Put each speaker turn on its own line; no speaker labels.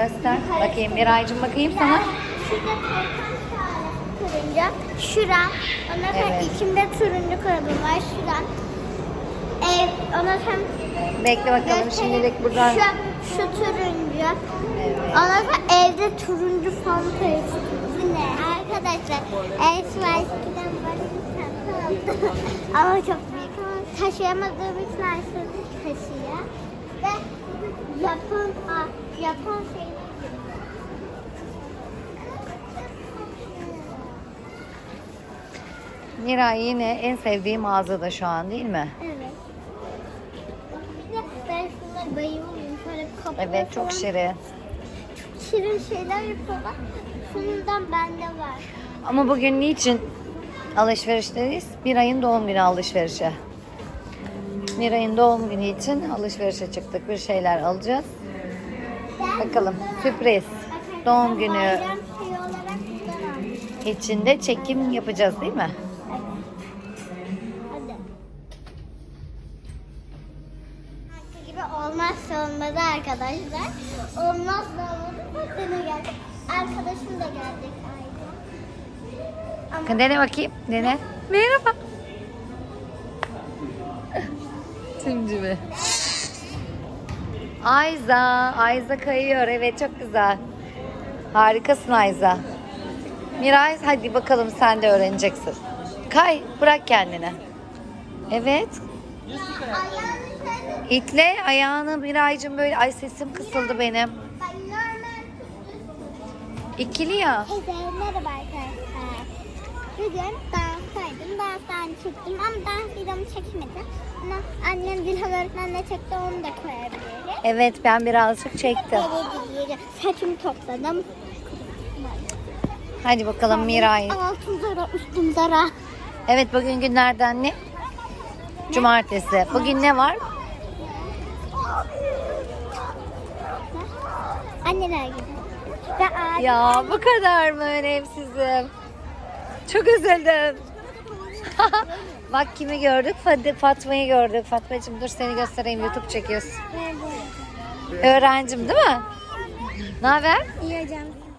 Göster. Bakayım Miraycığım, bakayım sana.
Şurada turuncu. Şuram. Ondan sonra
Evet.
içimde turuncu kalıbım var. Şuram. Ondan sonra
Bekle bakalım şimdilik buradan.
Şu turuncu.
Evet.
Ondan sonra evde turuncu fanta çıkıyor. Bu ne? Arkadaşlar Esmer'den böyle bir tane aldım. Ama çok büyük. Ama taşıyamadığım için Esmer taşıyor. Ve Japon şey.
Miray yine en sevdiği mağazada şu an, değil mi?
Evet. Ben şunlara bayılıyorum. Şöyle kapıda
Evet, çok
falan
şirin.
şirin şeyler yapıyorlar. Şundan bende var.
Ama bugün niçin alışverişteyiz? Miray'ın doğum günü alışverişi. Miray'ın doğum günü için alışverişe çıktık. Bir şeyler alacağız. Bakalım, sürpriz. Doğum günü
Bayram şey olarak bundan aldım.
içinde çekim yapacağız, değil mi?
Hadi. Marka gibi olmazsa olmadı arkadaşlar. Olmazsa olmadı. Bak dene geldik. Arkadaşım da geldik ayrıca.
Dene bakayım, dene. Merhaba. Simcimi. Ayza kayıyor. Evet, çok güzel. Harikasın Ayza. Miray, hadi bakalım sen de öğreneceksin. Kay, bırak kendini. Evet. İtle ayağını Miraycığım böyle. Ay, sesim kısıldı benim.
Ben normal
İkili ya.
merhaba arkadaşlar. Bugün danstaydım. Danstan çıktım ama dans videomu çekmedim. Ama annem Dilhan öğretmenle çekti, onu da koyabilirim.
Evet, ben birazcık çektim.
Saçımı topladım.
Hadi bakalım Miray.
Altın zara, üstüm zara.
Evet, bugün günlerden ne? Cumartesi. Bugün ne var?
Anneler gibi. Ve ağacı.
Ya bu kadar mı önemsizim? Çok üzüldüm. Bak kimi gördük? Fatma'yı gördük. Fatmacığım dur seni göstereyim, YouTube çekiyoruz. Öğrencim değil mi? Ne haber?
İyi hocam.